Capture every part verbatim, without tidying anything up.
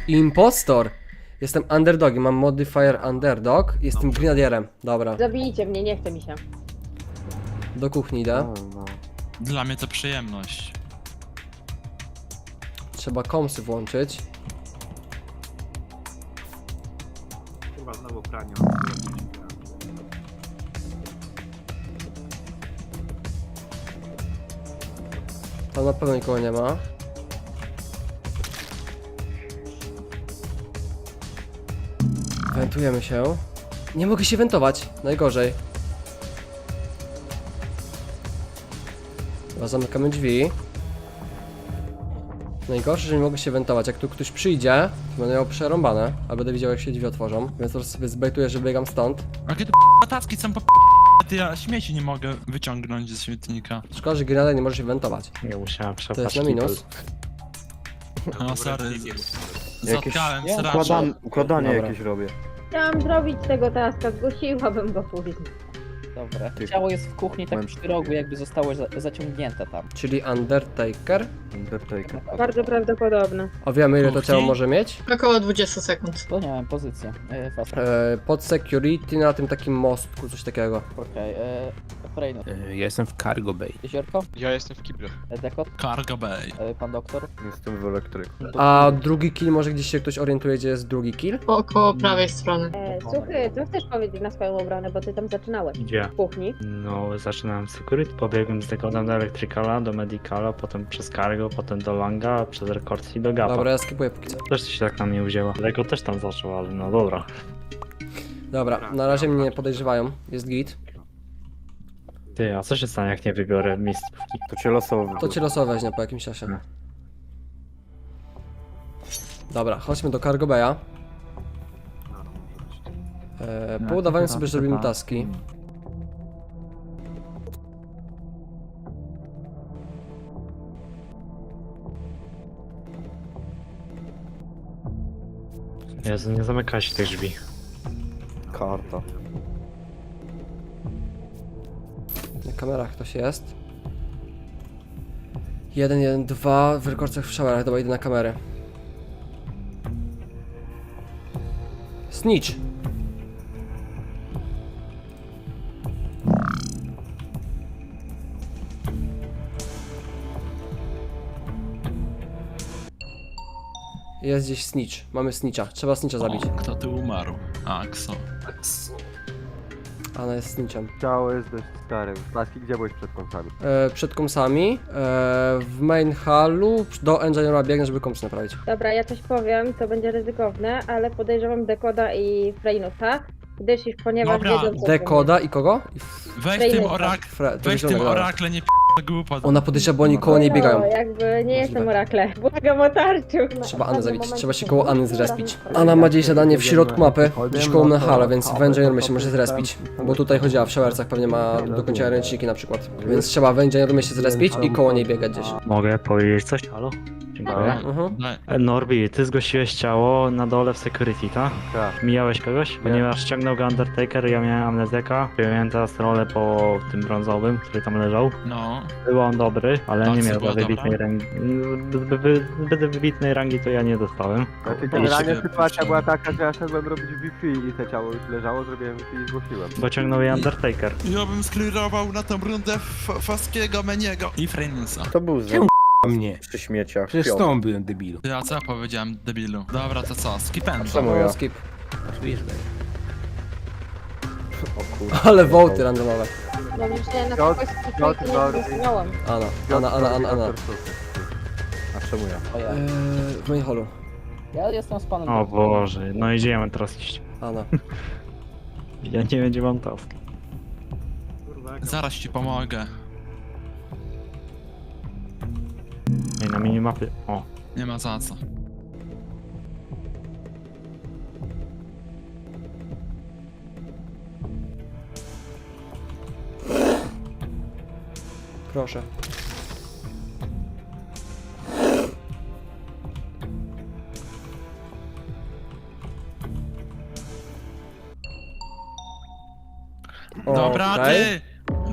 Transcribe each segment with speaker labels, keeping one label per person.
Speaker 1: Impostor! Jestem underdogiem, mam modifier underdog. Jestem grenadierem. Dobra,
Speaker 2: Zabijcie mnie, nie chce mi się.
Speaker 1: do kuchni idę.
Speaker 3: Dla mnie to przyjemność.
Speaker 1: Trzeba komsy włączyć.
Speaker 4: Kurwa, znowu pranie.
Speaker 1: Tam na pewno nikogo nie ma. Wentujemy się. Nie mogę się wentować. Najgorzej. Chyba zamykamy drzwi. Najgorsze, że nie mogę się wentować. Jak tu ktoś przyjdzie, to będę miał przerąbane. A będę widział, jak się drzwi otworzą. Więc po prostu sobie zbejtuję, że biegam stąd.
Speaker 3: Jakie tu patacki są po ty ja śmieci nie mogę wyciągnąć ze śmietnika.
Speaker 1: Szkoda, że grenada nie może się wentować.
Speaker 5: Nie musiałem
Speaker 1: To
Speaker 5: przepaść.
Speaker 1: jest na minus.
Speaker 3: No sorry,
Speaker 5: Jakieś-
Speaker 3: zatkałem
Speaker 5: Układan,
Speaker 3: sraczą.
Speaker 5: układanie
Speaker 1: Dobra.
Speaker 5: jakieś robię.
Speaker 2: Chciałam zrobić tego taska, zgłosiłabym go później.
Speaker 6: Dobra.
Speaker 5: Ty-
Speaker 6: Ciało jest w kuchni tak
Speaker 5: Moment.
Speaker 6: przy rogu, jakby zostało za zaciągnięte tam.
Speaker 1: Czyli Undertaker.
Speaker 5: Undertaker.
Speaker 2: Bardzo prawdopodobne.
Speaker 1: A wiemy, ile to
Speaker 3: Kuchni?
Speaker 1: ciało może mieć?
Speaker 7: Około dwadzieścia sekund.
Speaker 6: To nie wiem, pozycję. E, fast.
Speaker 1: E, pod security na tym takim mostku, coś takiego.
Speaker 6: Okej, e, Frejno.
Speaker 8: Ja jestem w Cargo Bay.
Speaker 6: Jeziorko?
Speaker 9: Ja jestem w kible.
Speaker 6: E, Dekot?
Speaker 3: Cargo Bay.
Speaker 6: E, pan doktor?
Speaker 5: Jestem w elektryku.
Speaker 1: A drugi kill, może gdzieś się ktoś orientuje, gdzie jest drugi kill?
Speaker 7: Po około prawej strony.
Speaker 2: E, Suchy, co chcesz powiedzieć na swoją obronę, bo ty tam zaczynałeś.
Speaker 5: Gdzie?
Speaker 2: W kuchni.
Speaker 5: No, zaczynałem security, pobiegłem z dekodem do Electricala, do Medicala, potem przez Cargo, potem do Langa, przez Records i do Gapa.
Speaker 1: Dobra, ja skipuję póki co.
Speaker 5: Też się tak na mnie wzięła. Lego też tam zaczął, ale no dobra.
Speaker 1: Dobra, na razie mnie nie podejrzewają. Jest git.
Speaker 5: Ty, a co się stanie, jak nie wybiorę miejscówki? To cię losowo.
Speaker 1: To cię losowo weźmie po jakimś czasie.
Speaker 5: No.
Speaker 1: Dobra, chodźmy do Cargo Bay'a. E, po udawaniu sobie, że robimy taski.
Speaker 5: Jezu, nie zamykaj tych drzwi. Karta.
Speaker 1: Na kamerach ktoś jest. Jeden, jeden, dwa w rekordach w showerach. Dobra, idę na kamerę. Snitch! Jest gdzieś snitch. Mamy snitcha. Trzeba snitcha zabić.
Speaker 3: O, kto tu umarł? A, Kso.
Speaker 1: Ana jest snitchem.
Speaker 4: Ciało jest dość stare. Klaski, gdzie byłeś przed kąsami?
Speaker 1: E, przed komsami. E, w main hallu. Do engineera biegnę, żeby komsy naprawić.
Speaker 2: Dobra, ja coś powiem, to będzie ryzykowne, ale podejrzewam Dekoda i Freynusa, gdyż ich ponieważ
Speaker 3: Dobra.
Speaker 2: wiedzą co
Speaker 1: Dekoda i kogo? I
Speaker 3: Weź tym
Speaker 2: Frejneta.
Speaker 3: orak...
Speaker 1: Fre to
Speaker 3: Weź tym
Speaker 1: zielonego.
Speaker 3: orakle, nie p*** głupot.
Speaker 1: Ona podejrzewa, bo oni koło niej biegają.
Speaker 2: No, jakby nie jestem orakle. Błagam o tarczu.
Speaker 1: Trzeba Anę zabić, trzeba się koło Anny zrespić. Anna ma gdzieś zadanie w środku mapy, gdzieś koło mnie hala, więc w engineerumie się może zrespić. Bo tutaj chodziła w showercach, pewnie ma do końca ręczniki na przykład. Więc trzeba w engineerumie się zrespić i koło niej biegać gdzieś.
Speaker 5: Mogę powiedzieć coś? Halo? Dziękuję.
Speaker 1: Mhm.
Speaker 3: Daj.
Speaker 5: E, Norbi, ty zgłosiłeś ciało na dole w security, tak?
Speaker 4: Tak.
Speaker 5: Mijałeś kogoś? Ponieważ ściągnął go Undertaker, ja miałem amnezeka. Miałem teraz rolę po tym brązowym, który tam leżał.
Speaker 3: No.
Speaker 5: Był on dobry, ale
Speaker 3: Tak,
Speaker 5: nie
Speaker 3: co
Speaker 5: miał
Speaker 3: była
Speaker 5: wybitnej
Speaker 3: dobra?
Speaker 5: rangi. Zbyt wy, wybitnej rangi to ja nie dostałem.
Speaker 4: Znaczy, generalnie
Speaker 3: się
Speaker 4: sytuacja
Speaker 3: puszczą.
Speaker 4: była taka, że ja szedłem robić Wi-Fi i te ciało już leżało, zrobiłem Wi-Fi i zgłosiłem.
Speaker 5: Bo ciągnął je Undertaker.
Speaker 3: Ja bym sklirował na tą rundę F- Faskiego, Meniego i Freynusa.
Speaker 8: To był za
Speaker 9: Mnie.
Speaker 8: przy śmieciach.
Speaker 9: Przecież z tobą byłem debilu.
Speaker 3: Ja co ja powiedziałem, debilu? Dobra, to co? Skipendo.
Speaker 8: Czemu ja?
Speaker 1: No, skip.
Speaker 9: Wiesz,
Speaker 8: O kurde.
Speaker 1: Ale wołty randomowe.
Speaker 2: No myślę na
Speaker 4: Piotr,
Speaker 2: kogoś
Speaker 4: Piotr,
Speaker 2: nie
Speaker 4: Norbi.
Speaker 2: głosowałam.
Speaker 1: Anna, Anna, Anna, Anna, Anna.
Speaker 8: A czemu ja?
Speaker 6: O ja.
Speaker 1: Eee, w main hallu.
Speaker 6: Ja jestem z panem
Speaker 5: O
Speaker 6: doktorem.
Speaker 5: Boże, no idziemy teraz iść.
Speaker 1: Anna.
Speaker 5: Ja nie wiem gdzie mam task.
Speaker 3: Zaraz ci pomogę.
Speaker 5: Ej, na minimapie. O.
Speaker 3: Nie ma za co.
Speaker 1: Proszę.
Speaker 3: Dobra,
Speaker 1: Okej.
Speaker 3: ty!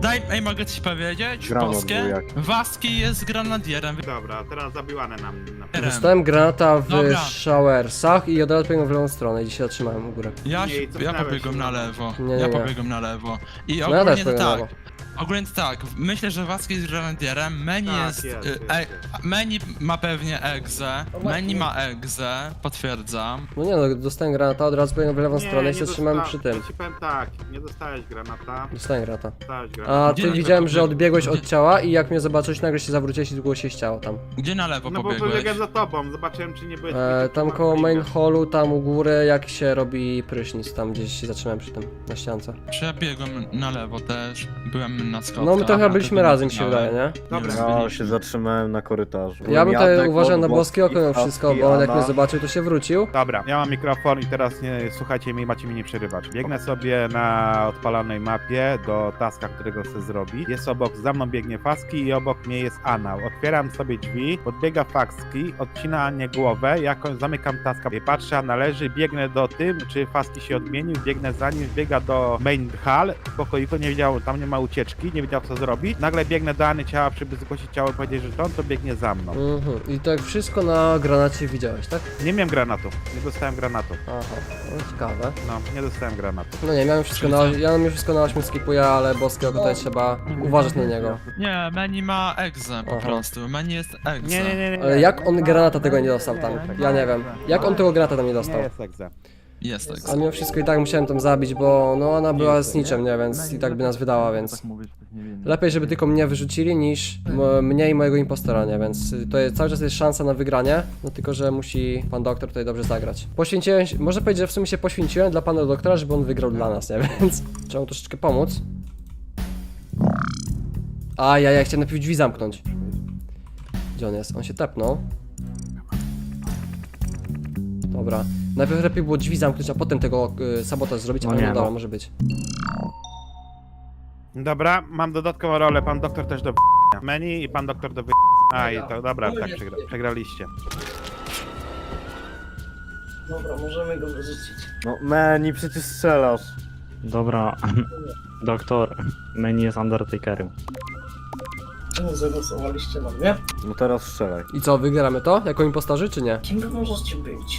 Speaker 3: Daj, ej, mogę coś powiedzieć?
Speaker 8: Granat
Speaker 3: Polskie?
Speaker 8: był jaki.
Speaker 3: Waski jest granadierem.
Speaker 10: Dobra, teraz zabiłane nam. Na...
Speaker 1: Dostałem granata w
Speaker 3: Dobra.
Speaker 1: showersach i od razu pobiegłem w lewą stronę i dzisiaj zatrzymałem u góry.
Speaker 3: Ja,
Speaker 10: Nie,
Speaker 3: się,
Speaker 10: i
Speaker 3: ja
Speaker 10: cofnęłeś
Speaker 3: pobiegłem
Speaker 10: się.
Speaker 3: na lewo.
Speaker 1: Nie, nie,
Speaker 3: ja
Speaker 1: nie.
Speaker 3: pobiegłem na lewo. I
Speaker 1: No ja
Speaker 3: ogólnie
Speaker 1: też
Speaker 3: to
Speaker 1: pobiegłem na
Speaker 3: tak.
Speaker 1: lewo.
Speaker 3: Ogólnie to tak, myślę, że Waski jest granadierem, Meni
Speaker 10: Tak,
Speaker 3: jest...
Speaker 10: jest,
Speaker 3: y,
Speaker 10: jest,
Speaker 3: e,
Speaker 10: jest.
Speaker 3: Meni ma pewnie egzę, Meni ma egzę, potwierdzam.
Speaker 1: No nie no, dostałem granata, od razu pobiegłem w lewą stronę i się zatrzymałem
Speaker 10: dosta-
Speaker 1: przy tym.
Speaker 10: Ja ci powiem tak, nie dostałeś granata,
Speaker 1: Dostałem granata.
Speaker 10: dostałeś granata.
Speaker 1: A
Speaker 3: Gdzie
Speaker 1: ty
Speaker 3: na
Speaker 1: widziałem,
Speaker 3: lewo
Speaker 1: że
Speaker 3: pobiegł?
Speaker 1: odbiegłeś od
Speaker 3: Gdzie-
Speaker 1: ciała i jak mnie zobaczyłeś, nagle się zawróciłeś i zgłosiłeś ciało tam.
Speaker 3: Gdzie na lewo
Speaker 10: No bo
Speaker 3: pobiegłeś?
Speaker 10: pobiegłem za tobą, zobaczyłem czy nie byłeś...
Speaker 1: E, tam
Speaker 10: czy
Speaker 1: koło
Speaker 10: masz
Speaker 1: main
Speaker 10: linkę.
Speaker 1: hallu, tam u góry, jak się robi prysznic, tam gdzieś się zatrzymałem przy tym, na ściance.
Speaker 3: Czy ja biegłem na lewo też, byłem na schodkach.
Speaker 1: No my to chyba
Speaker 3: a
Speaker 1: byliśmy
Speaker 3: ty
Speaker 1: razem, mi się
Speaker 3: biegałem.
Speaker 1: wydaje, nie?
Speaker 10: Dobra.
Speaker 3: Nie,
Speaker 8: Ja
Speaker 3: byliśmy.
Speaker 8: się zatrzymałem na korytarzu.
Speaker 1: Ja bym tutaj
Speaker 8: Jadek,
Speaker 1: uważał na
Speaker 8: Boski,
Speaker 1: boskie oko mimo wszystko, bo on jak
Speaker 8: Anna.
Speaker 1: mnie zobaczył, to się wrócił.
Speaker 10: Dobra, ja mam mikrofon i teraz nie, słuchajcie mnie, macie mnie nie przerywać. Biegnę sobie na odpalonej mapie do taska, którego chcę zrobić. Jest obok, za mną biegnie Faski i obok mnie jest Anał. Otwieram sobie drzwi, podbiega Faski, odcina Anię głowę, jakoś zamykam taska. Patrzę, Anna leży, biegnę do tym, czy Faski się odmienił, biegnę za nim, biega do main hall, w pokoiku, nie wiedział, tam nie ma ucieczki, nie wiedział co zrobić. Nagle biegnę do Any ciała, żeby zgłosić ciało i powiedzieć, że to on to biegnie za mną.
Speaker 1: Mhm. I to jak wszystko na granacie widziałeś, tak?
Speaker 10: Nie miałem granatu, nie dostałem granatu.
Speaker 1: Aha, no ciekawe.
Speaker 10: No, nie dostałem granatu.
Speaker 1: No nie, miałem wszystko na, ja miałem wszystko na ośmiu skipuję, ale boskie oko tutaj trzeba uważać na niego.
Speaker 3: Nie, Meni ma egzę po
Speaker 1: Aha.
Speaker 3: prostu, Meni jest egzę.
Speaker 10: Nie, nie, nie, nie.
Speaker 1: Ale jak on granata tego nie dostał tam? Ja nie wiem. Jak on tego granata tam nie
Speaker 10: Nie
Speaker 1: dostał?
Speaker 10: jest egze.
Speaker 3: Jest egzę.
Speaker 1: A mimo wszystko i tak musiałem tam zabić, bo no ona była z niczym, nie? Więc i tak by nas wydała, więc... Lepiej, żeby tylko mnie wyrzucili, niż m- mnie i mojego impostora, nie? Więc to jest, cały czas jest szansa na wygranie, no tylko, że musi pan doktor tutaj dobrze zagrać. Poświęciłem się, można powiedzieć, że w sumie się poświęciłem dla pana doktora, żeby on wygrał dla nas, nie? Więc trzeba mu troszeczkę pomóc. A ja, ja chciałem najpierw drzwi zamknąć. Gdzie on jest? On się tepnął. Dobra. Najpierw lepiej było drzwi zamknąć, a potem tego y, sabotaż zrobić,
Speaker 5: No
Speaker 1: ale
Speaker 5: nie,
Speaker 1: no dobra,
Speaker 5: no.
Speaker 1: może być.
Speaker 10: Dobra, mam dodatkową rolę, pan doktor też do menu i pan doktor do wy... A i to dobra, tak przegra przegraliście.
Speaker 6: Dobra, możemy go wyrzucić.
Speaker 8: No Meni, przecież strzelasz.
Speaker 5: Dobra, doktor, Meni jest Undertakerem.
Speaker 6: Czemu zagłosowaliście na mnie?
Speaker 8: No teraz strzelaj.
Speaker 1: I co, wygramy to? Jako impostorzy, czy nie?
Speaker 6: Kim wy możecie być?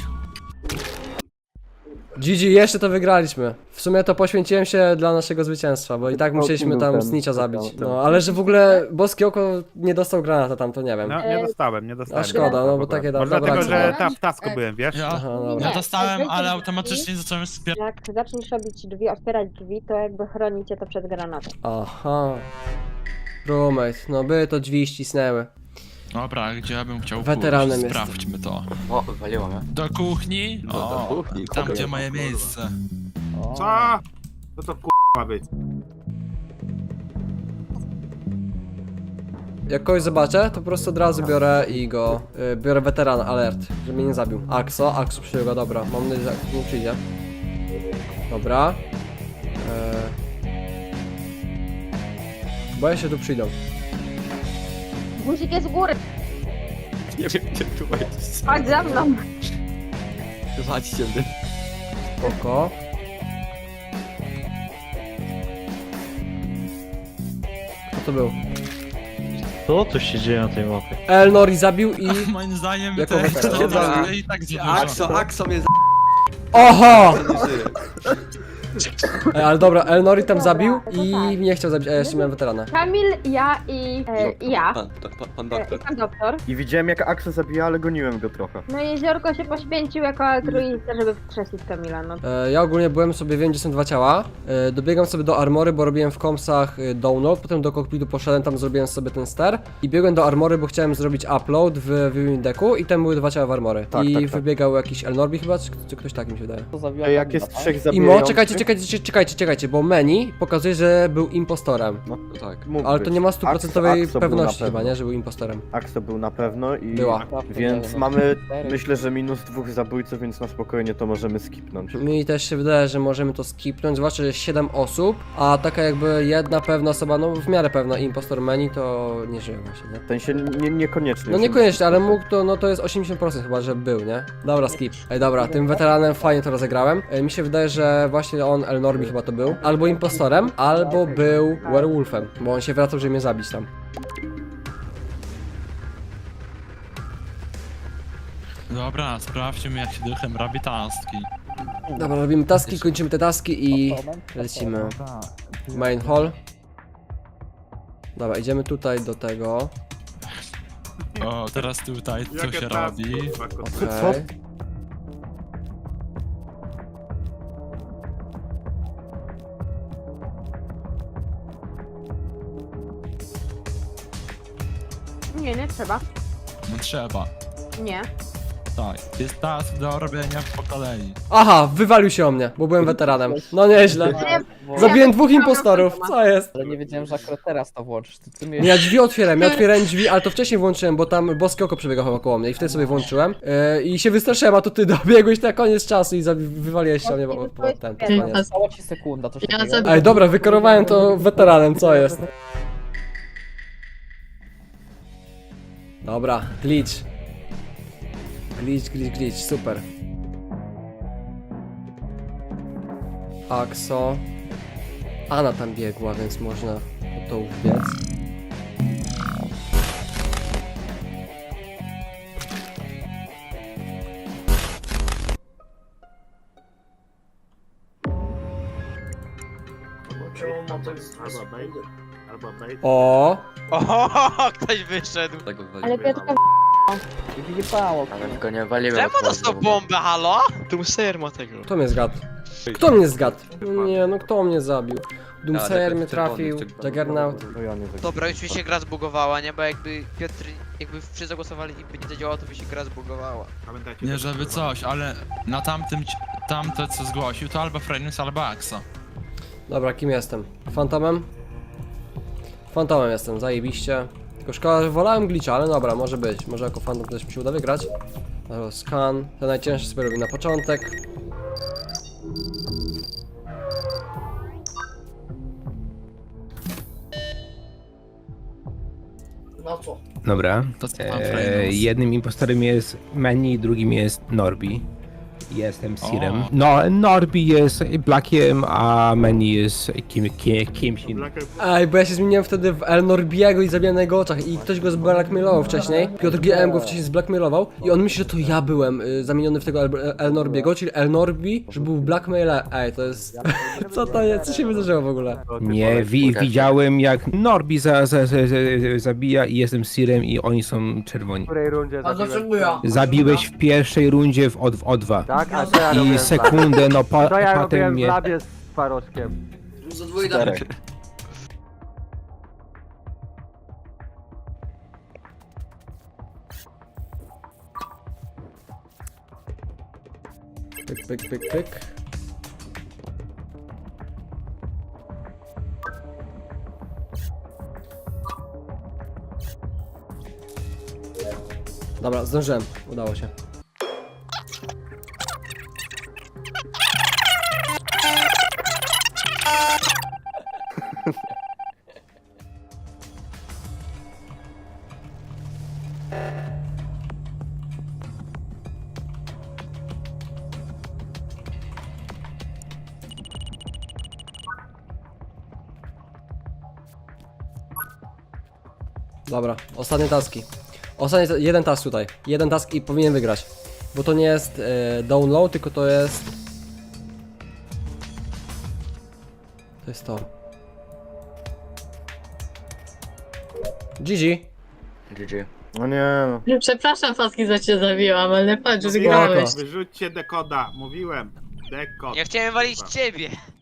Speaker 1: G G, jeszcze to wygraliśmy. W sumie to poświęciłem się dla naszego zwycięstwa, bo i tak musieliśmy tam Snitcha zabić. No, ale że w ogóle boskie oko nie dostał granata tam, to nie wiem.
Speaker 10: No, nie dostałem, nie dostałem.
Speaker 1: A szkoda, no bo takie da-
Speaker 10: Może
Speaker 1: dobra
Speaker 10: dlatego, że
Speaker 2: akcja.
Speaker 10: ta w tasku byłem, wiesz?
Speaker 3: Ja,
Speaker 1: Aha, dobra.
Speaker 3: ja dostałem,
Speaker 2: Nie,
Speaker 3: ale
Speaker 2: nie,
Speaker 3: automatycznie zacząłem wspierać.
Speaker 2: Jak zaczniesz robić drzwi, otwierać drzwi, to jakby chronicie to przed granatem.
Speaker 1: Aha. Roommate, no by to drzwi ścisnęły.
Speaker 3: Dobra, gdzie ja bym chciał
Speaker 1: Weteranem
Speaker 3: pójść?
Speaker 1: jestem.
Speaker 3: Sprawdźmy to.
Speaker 9: O, waliło mnie.
Speaker 3: Do kuchni?
Speaker 9: Do- do
Speaker 3: O,
Speaker 9: kuchni,
Speaker 3: tam
Speaker 9: kogo
Speaker 3: gdzie
Speaker 9: ja
Speaker 3: moje
Speaker 9: mam?
Speaker 3: miejsce.
Speaker 6: O,
Speaker 10: Co? No to k*** ma być.
Speaker 1: Jak kogoś zobaczę, to po prostu od razu biorę i go... Y, biorę weterana, alert, żeby mnie nie zabił. Axo, Axo przyjął go, dobra. Mam nadzieję, że Axo nie przyjdzie. Dobra. Eee... Boję się, tu przyjdą.
Speaker 2: Guzik jest u góry,
Speaker 9: Nie wiem, gdzie tu jest.
Speaker 2: chodź za mną.
Speaker 9: Chodźcie, ty.
Speaker 1: Spoko. Kto to był?
Speaker 5: Co tu się dzieje na tej mapie?
Speaker 1: Elnori zabił i...
Speaker 3: Moim zdaniem
Speaker 1: Jako
Speaker 3: te
Speaker 1: weteran.
Speaker 3: cztery i tak za dużo.
Speaker 9: Axo, Axo mnie
Speaker 1: Oho!
Speaker 9: z***y.
Speaker 1: Ej, ale dobra, Elnori tam zabił i mnie chciał zabić, a ja jeszcze miałem weterana.
Speaker 2: Kamil, ja i, e, i ja.
Speaker 9: Pan, pan, pan, pan
Speaker 2: E,
Speaker 9: doktor.
Speaker 2: I pan doktor.
Speaker 8: I widziałem jak Axel zabija, ale goniłem go trochę.
Speaker 2: No i Jeziorko się poświęcił jako altruista, żeby wskrzesić Kamila, no.
Speaker 1: E, ja ogólnie byłem sobie, wiem gdzie są dwa ciała. E, dobiegam sobie do armory, bo robiłem w komsach e, download, potem do kokpitu poszedłem, tam zrobiłem sobie ten ster. I biegłem do armory, bo chciałem zrobić upload w Viewing Decku i tam były dwa ciała w armory.
Speaker 8: Tak,
Speaker 1: I
Speaker 8: tak, tak.
Speaker 1: wybiegał jakiś Elnorbi chyba, czy, czy ktoś tak mi się wydaje.
Speaker 6: to zabiła
Speaker 8: Ej, jak
Speaker 6: Kamila,
Speaker 8: jest
Speaker 6: tak?
Speaker 8: trzech
Speaker 1: Imo,
Speaker 8: zabijających...
Speaker 1: czekajcie, czekajcie, czekajcie, czekajcie, bo menu pokazuje, że był impostorem.
Speaker 8: No,
Speaker 9: No tak.
Speaker 8: mógł
Speaker 1: Ale to
Speaker 8: być.
Speaker 1: nie ma stuprocentowej
Speaker 8: Axel- Axel był
Speaker 1: pewności
Speaker 8: na
Speaker 1: chyba,
Speaker 8: pewno.
Speaker 1: nie, że był impostorem.
Speaker 8: Axel był na pewno i...
Speaker 1: Była.
Speaker 8: Więc
Speaker 6: No,
Speaker 8: mamy,
Speaker 6: cztery.
Speaker 8: myślę, że minus dwóch zabójców, więc na spokojnie to możemy skipnąć.
Speaker 1: Mi też się wydaje, że możemy to skipnąć, zwłaszcza, że jest siedem osób, a taka jakby jedna pewna osoba, no w miarę pewna impostor menu, to nie żyje właśnie, nie?
Speaker 8: W sensie nie, niekoniecznie.
Speaker 1: No niekoniecznie, ale mógł to, no to jest osiemdziesiąt procent chyba, że był, nie? Dobra, skip. Ej, dobra, tym weteranem fajnie to rozegrałem. Ej, mi się wydaje, że właśnie on on, El Norbi chyba to był, albo impostorem, albo był werewolfem, bo on się wracał, żeby mnie zabić tam.
Speaker 3: Dobra, sprawdźmy jak się duchem robi taski.
Speaker 1: Dobra, robimy taski, kończymy te taski i lecimy. Main hall. Dobra, idziemy tutaj do tego.
Speaker 3: O, teraz tutaj co się robi?
Speaker 1: Okej.
Speaker 2: Nie, nie trzeba.
Speaker 3: No trzeba.
Speaker 2: Nie.
Speaker 3: Tak, jest task do robienia po kolei.
Speaker 1: Aha, wywalił się o mnie, bo byłem weteranem. No nieźle. Zabiłem dwóch impostorów, co jest?
Speaker 11: Ale nie wiedziałem, że akurat teraz to włączysz. Ty, ty mnie...
Speaker 1: Nie, ja drzwi otwierałem, ja otwierałem drzwi, ale to wcześniej włączyłem, bo tam boskie oko przebiegało koło mnie i wtedy sobie włączyłem. Yy, I się wystraszyłem, a to ty dobiegłeś na koniec czasu i zabi- wywaliłeś się o mnie, bo, bo ten, po koniec.
Speaker 11: Została ci sekunda, to się
Speaker 7: Ja
Speaker 11: tego-
Speaker 7: zabiję.
Speaker 1: Ej, dobra, wykarowałem to weteranem, co jest? Dobra, glitch. Glitch, glitch, glitch, super. Axo. Ana tam biegła, więc można to wbiec.
Speaker 6: Czemu ma tak
Speaker 10: Albo bait.
Speaker 1: O,
Speaker 9: O, ktoś wyszedł.
Speaker 2: Ale Piotrka
Speaker 11: Wyjebało.
Speaker 9: Ale go nie walimy. Czemu dostał bombę, halo? Doomsayer ma tego.
Speaker 1: kto mnie zgadł? Kto mnie zgadł? No nie, no kto mnie zabił? Doomsayer mnie trafił, Juggernaut.
Speaker 8: No ja nie
Speaker 9: Dobra, już mi się gra zbugowała, nie? Bo jakby Piotr, jakby wszyscy zagłosowali i by nie zadziałało, to by się gra zbugowała.
Speaker 10: Pamiętajcie,
Speaker 3: Nie
Speaker 10: że-
Speaker 3: żeby coś, ale na tamtym, ci- tamte co zgłosił to albo Frenus, albo Axa.
Speaker 1: Dobra, kim jestem? Fantomem? Fantomem jestem, zajebiście. Tylko szkoda, że wolałem glitcha, ale dobra, może być. Może jako fantom też mi się uda wygrać. Dobra, scan. To najcięższe sobie robię na początek.
Speaker 6: Na co?
Speaker 12: Dobra.
Speaker 3: To co tam
Speaker 12: E,
Speaker 3: Frenus?
Speaker 12: jednym impostorem jest Manny, drugim jest Norbi. Jestem Sirem.
Speaker 3: O.
Speaker 12: No, Norbi jest Blackiem, a Manny jest kim, kim, kimś innym.
Speaker 1: Ej, bo ja się zmieniłem wtedy w El Norbiego i zabiłem na jego oczach i ktoś go zblackmailował wcześniej. Piotr G M go wcześniej zblackmailował i on myśli, że to ja byłem y, zamieniony w tego El, El Norbiego, czyli El Norbi, że był blackmaila. Ej, to jest... Co to jest? Co się wydarzyło w ogóle?
Speaker 12: Nie, wi widziałem jak Norbi za, za, za, za, zabija i jestem Sirem i oni są
Speaker 4: W
Speaker 12: czerwoni.
Speaker 4: której rundzie
Speaker 6: A
Speaker 4: zabiłeś?
Speaker 6: dlaczego ja?
Speaker 12: Zabiłeś w pierwszej rundzie w O dwa.
Speaker 4: Tak, a co ja
Speaker 12: I
Speaker 4: robiłem?
Speaker 12: sekundę, no pa,
Speaker 4: To ja
Speaker 12: potem
Speaker 4: robiłem w
Speaker 12: mnie...
Speaker 4: labie z twarożkiem.
Speaker 6: Za dwójka.
Speaker 1: Pyk, pyk, pyk, pyk. Dobra, zdążyłem. Udało się. Dobra, ostatnie taski. Ostatni, ta- jeden task tutaj. Jeden task i powinien wygrać. Bo to nie jest e, download, tylko to jest... To jest to. G G.
Speaker 8: G G. No nie no.
Speaker 7: Przepraszam, Faski, że cię zabiłam, ale patrz, wygrałeś.
Speaker 10: Wyrzućcie dekoda, mówiłem. Dekod.
Speaker 9: Ja chciałem walić ciebie.